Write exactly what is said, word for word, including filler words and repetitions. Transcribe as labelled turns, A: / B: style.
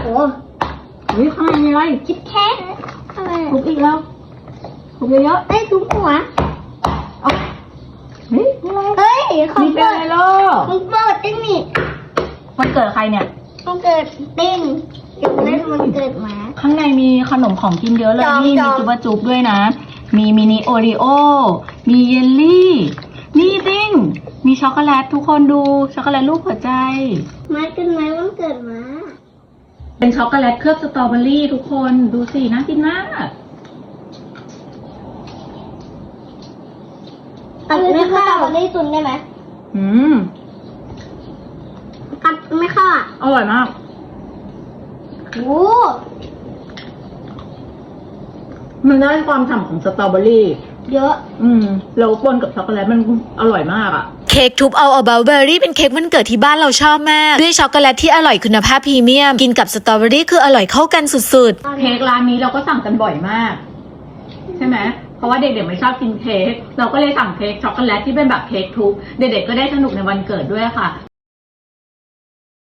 A: โอ้เฮ้ยข้างในมีอะไรคิดแค่อะไรทุบอีกแล้วทุบเยอะๆเอ้ยทุบหัวเอาเฮ้ยมีอะไรเฮ้ยของ
B: มีเป็น
A: เปิด
B: อะไรลูก
A: ของเปิดติ้งนี่
B: วันเกิดใครเนี่ย
A: มันเกิดติ้งเดี๋ยวเล่นมันเกิดหมา
B: ข้างในมีขนมของกินเยอะเลย
A: จอม
B: นี่
A: จ
B: มี
A: อม
B: จุบะจุบด้วยนะ มีมินิโอรีโอ มีเยลลี่ นี่ติ้ง มีช็อกโกแลตทุกคนดูช็อกโกแลตรูปหัวใจ
A: มาเกิดไหมมันเกิดหมา
B: เป็นช็อกโกแลตเคลือบสตรอเบอรี่ทุกคนดูสิน่ากินมาก
A: ตัดไม่เข้าได้ตุนได้ไหม
B: อืม
A: ตัดไม่เข้าอ่ะ
B: อร่อยมาก
A: โอ้
B: มันได้ความฉ่ำของสตรอเบอรี่
A: เยอะ
B: อืมแล้วปนกับช็อกโกแลตมันอร่อยมากอ่ะ
C: เค้กทุบเอาเอาเบลเบอรี่เป็นเค้กวันเกิดที่บ้านเราชอบมากด้วยช็อกโกแลตที่อร่อยคุณภาพพรีเมียมกินกับสตรอเบอรี่คืออร่อยเข้ากันสุดๆ
B: เค้กร้านนี้เราก็สั่งกันบ่อยมาก ใช่ไหมเพราะว่าเด็กๆไม่ชอบกินเค้กเราก็เลยสั่งเค้กช็อกโกแลตที่เป็นแบบเค้กทุบเด็กๆก็ได้สนุกในวันเกิดด้วยค่ะ